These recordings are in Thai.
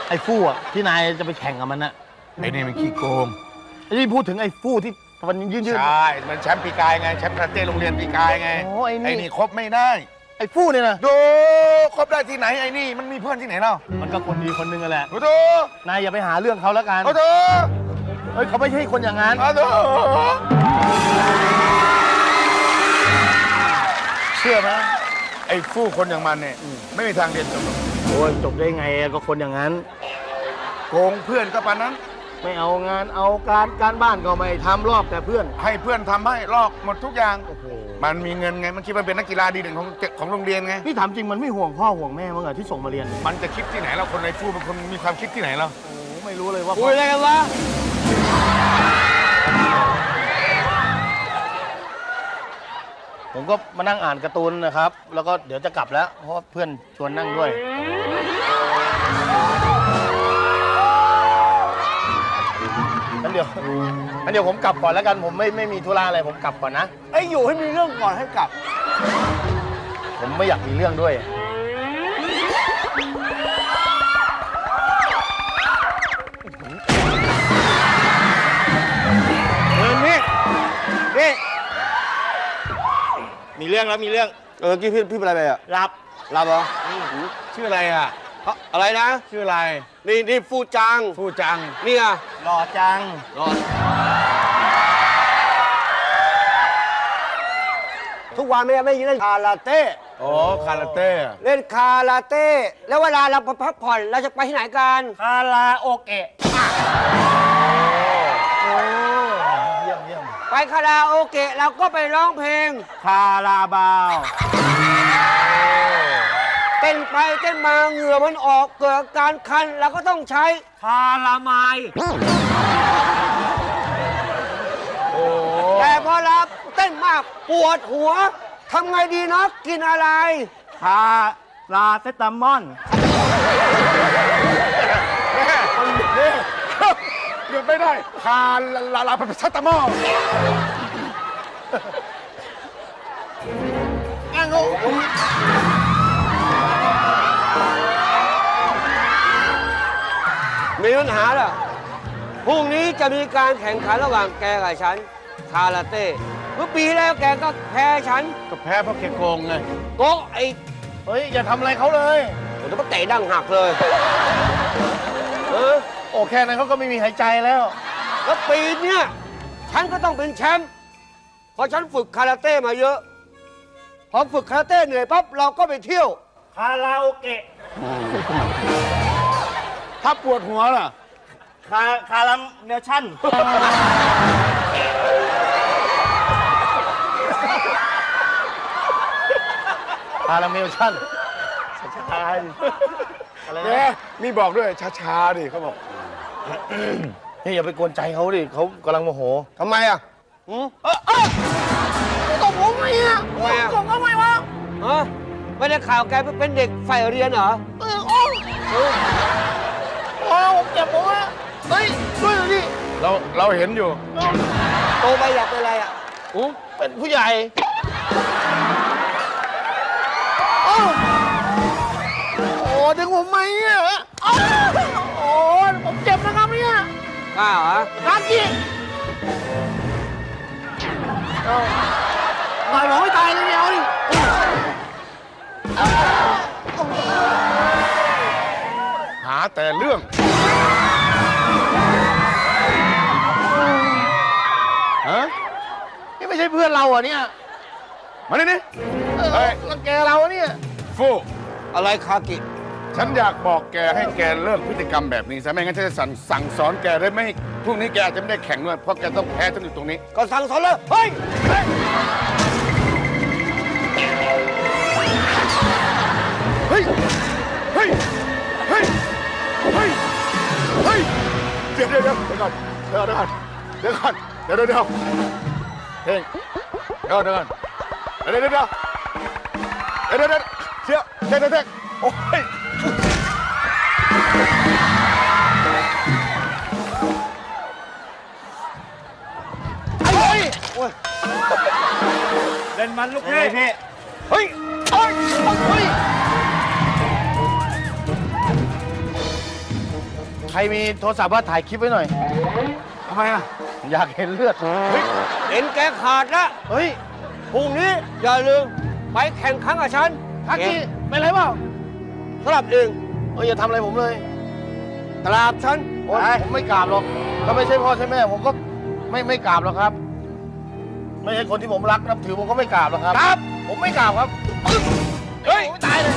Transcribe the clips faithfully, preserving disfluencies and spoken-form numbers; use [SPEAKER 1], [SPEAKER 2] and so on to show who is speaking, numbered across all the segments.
[SPEAKER 1] ไอ้ฟู่อะที่นายจะไปแข่งกับมันนะ
[SPEAKER 2] ไอ้นี่มันขี้โกง
[SPEAKER 1] ไอ้นี่พูดถึงไอ้ฟู่ที่มันยืนยืน
[SPEAKER 2] ใช่มันแชมป์ปีกายไงแชมป์คาราเต้โรงเรียนปีกายไง
[SPEAKER 1] โอ้ไอ้นี่
[SPEAKER 2] ไอ้นี่คบไม่ได้
[SPEAKER 1] ไอ้ฟู่เนี่ยนะ
[SPEAKER 2] ดูคบได้ที่ไหนไอ้นี่มันมีเพื่อนที่ไหนเล่า
[SPEAKER 1] มันก็คนดีคนนึงแหละ
[SPEAKER 2] ดู
[SPEAKER 1] นายอย่าไปหาเรื่องเขาแล้วกัน
[SPEAKER 2] ดู
[SPEAKER 1] เฮ้ยเขาไม่ใช่คนอย่างนั้น
[SPEAKER 2] ดู
[SPEAKER 1] เชื่อไหม
[SPEAKER 2] ไอ้ฟู่คนอย่างมันเนี่ยไม่มีทางเรียนจบหรอก
[SPEAKER 1] โอ้ยจบได้ไงก็คนอย่างนั้น
[SPEAKER 2] โกงเพื่อนก็ปานนั้น
[SPEAKER 1] ไม่เอางานเอาการการบ้านก็ไม่ทำรอบแต่เพื่อน
[SPEAKER 2] ให้เพื่อนทำให้ลอกหมดทุกอย่างมันมีเงินไงมันคิดว่าเป็นนักกีฬาดีเด่นของของโรงเรียนไง
[SPEAKER 1] พี่ถามจริงมันไม่ห่วงพ่อห่วงแม่มั้งเหรอที่ส่งมาเรียน
[SPEAKER 2] มันจะคิดที่ไหนเราคนในฟู่เป็นคนมีความคิดที่ไหนเรา
[SPEAKER 1] โอ้ไม่รู้เลยว่า
[SPEAKER 3] คุยอะไรกันวะ
[SPEAKER 1] ผมก็มานั่งอ่านการ์ตูนนะครับแล้วก็เดี๋ยวจะกลับแล้วเพราะเพื่อนชวนนั่งด้วยงั้นเดี๋ยวงั้นเดี๋ยวผมกลับก่อนแล้วกันผมไม่ไม่มีธุระอะไรผมกลับก่อนนะ
[SPEAKER 3] ไอ้อยู่ให้มีเรื่องก่อนให้กลับ
[SPEAKER 1] ผมไม่อยากมีเรื่องด้วย
[SPEAKER 3] เออนี่นี่
[SPEAKER 1] มีเรื่องแล้วมีเรื่อง
[SPEAKER 3] เออกี้พี่พี่เป็นอะไรไปอ่ะ
[SPEAKER 1] รับ
[SPEAKER 3] รับเหรอ
[SPEAKER 2] ชื่ออะไรอ่ะ
[SPEAKER 3] อะไรนะ
[SPEAKER 2] ชื่ออะไร
[SPEAKER 3] นี่นี่ฟูจัง
[SPEAKER 2] ฟูจัง
[SPEAKER 3] นี่อ่ะ
[SPEAKER 1] หล่อจัง
[SPEAKER 3] หล่อทุกวันไม่ไม่เล่นคาราเต้
[SPEAKER 2] โอ้คาราเต้
[SPEAKER 3] เล่นคาราเต้แล้วเวลาเราพักผ่อนเราจะไปที่ไหนกัน
[SPEAKER 1] คาราโอเกะโอ้เยี่ยมเยี่ยม
[SPEAKER 3] ไปคาราโอเกะเราก็ไปร้องเพลง
[SPEAKER 1] คาราบาว
[SPEAKER 3] เต้นไปเต้นมาเหงื่อมันออกเกิดการคันเราก็ต้องใช้
[SPEAKER 1] คาราไมล์
[SPEAKER 3] แต่พอเราเต้นมากปวดหัวทำไงดีนะกินอะไร
[SPEAKER 1] คาราเซตามอน
[SPEAKER 2] หยุดไม่ได้คาราลาพัสตามอล
[SPEAKER 1] อ้างง
[SPEAKER 3] มีปัญหาเหรอพรุ่งนี้จะมีการแข่งขันระหว่างแกกับฉันคาราเต้เมื่อปีแล้วแกก็แพ้ฉัน
[SPEAKER 2] ก็แพ้เพราะแกโกงไง
[SPEAKER 3] โกงไอ้
[SPEAKER 1] เฮ้ยอย่าทำอะไรเขาเลย
[SPEAKER 3] ผมจะมาเตะดั้งหักเลย
[SPEAKER 1] เออโอ้แค่นั้นเขาก็ไม่มีหายใจแล้ว
[SPEAKER 3] แล้วปีเนี้ยฉันก็ต้องเป็นแชมป์เพราะฉันฝึกคาราเต้มาเยอะพอฝึกคาราเต้เหนื่อยปั๊บเราก็ไปเที่ยว
[SPEAKER 1] คาราโอเกะ
[SPEAKER 2] ถ้าปวดหัวล่ะ
[SPEAKER 1] คาคาราเมลชั่นคาราเมลชั่นช้าๆอะไรนะ
[SPEAKER 2] นี่บอกด้วยช้าๆดิเขาบอก
[SPEAKER 1] นี่อย่าไปกวนใจเขาดิเขากำลังโมโห
[SPEAKER 3] ทำไมอ่ะ
[SPEAKER 1] อืมเออเออตบผมไงอ่ะ
[SPEAKER 3] ทำไมอ่ะ
[SPEAKER 1] ตบทำไมวะ
[SPEAKER 3] ฮะไม่ได้ข่าวแกเป็นเด็กใฝ่เรียนเหรอ
[SPEAKER 1] เออโอ้โอ้ผมเจ็บผมอ่ะเฮ้ยช่วยหน่อยดิ
[SPEAKER 2] เราเราเห็นอยู่
[SPEAKER 3] โตไปอยากเป็นอะไรอ่ะ
[SPEAKER 1] อู้เป็นผู้ใหญ่โอ้ดึงผมไหมเนี่ยโอ้ผมเจ็บนะครับเนี่ย
[SPEAKER 3] กล้าเหรอ
[SPEAKER 1] รักจริงตายหมอไม่ตายเลยเนี่ยเอาดิ
[SPEAKER 2] หาแต่เรื่องฮะ
[SPEAKER 1] นี่ไม่ใช่เพื่อนเราอ่ะเนี่ย
[SPEAKER 2] มาดินี่
[SPEAKER 1] เฮ้ยรังแกเราเนี่ย
[SPEAKER 2] ฟู
[SPEAKER 3] อะไรคากิ
[SPEAKER 2] ฉันอยากบอกแกให้แกเลิกพฤติกรรมแบบนี้ซะไม่งั้นฉันจะสั่งสั่งสอนแกได้ไม่พรุ่งนี้แกอาจจะไม่ได้แข่งด้วยเพราะแกต้องแพ้จนอยู่ตรงนี้
[SPEAKER 3] ก็สั่งสอนเลยเฮ้ย
[SPEAKER 2] เฮ้ยเฮ้ยเฮ้ยเฮ้ยเฮ้ยเดี๋ยวเดี๋ยวเดี๋ยวก่อนเดี๋ยวก่อนเดี๋ยวก่อนเดี๋ยวเดี๋ยวเดี๋ยวเฮ้ยเดี๋ยวเดี๋ยวก่อนเดี๋ยวเดี๋ยวเดี๋ยวเดี๋ยวเดี๋ยวเดี๋ยวเชี่ยเดี๋ยวเดี๋ยวเดี๋ยวโอ้ย
[SPEAKER 1] เล่นมันลูกพี่พี่เฮ้ยเฮ้ยเฮ้ยรมีโทรศัพท์ว่าถ่ายคลิปไว้หน่อย
[SPEAKER 2] ทำไมอ่ะ
[SPEAKER 1] อยากเห็นเลือด
[SPEAKER 2] เฮ้ย
[SPEAKER 3] เอ็นแกขาดละ
[SPEAKER 1] เฮ้ย
[SPEAKER 3] พรุ่งนี้อย่าลืมไปแข่งขันกับฉัน
[SPEAKER 1] ทักกี้เป็นไรเปล่า
[SPEAKER 3] สลับเอง
[SPEAKER 1] เอ้ยอย่าทำอะไรผมเลย
[SPEAKER 3] ตราบฉัน
[SPEAKER 1] โอ๊ยผมไม่กราบหรอกถ้าไม่ใช่พ่อใช่แม่ผมก็ไม่ไม่กราบหรอกครับ ไม่ใช่คนที่ผมรักนับถือผมก็ไม่กราบหรอกครับ ครับ ผมไม่กราบครับ เฮ้ยตายเลย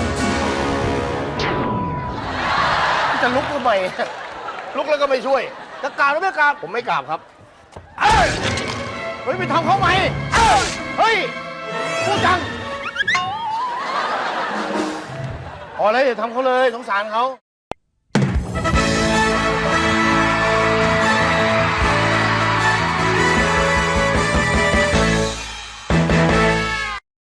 [SPEAKER 1] จะลุกทำไม ลุกแล้วก็ไม่ช่วย จะกราบหรือไม่กราบ ผมไม่กราบครับเอ้ยเฮ้ยไปทำเขาไหมเอ้ยเฮ้ยพูดจังพอเลยอย่าทำเขาเลยสงสารเขา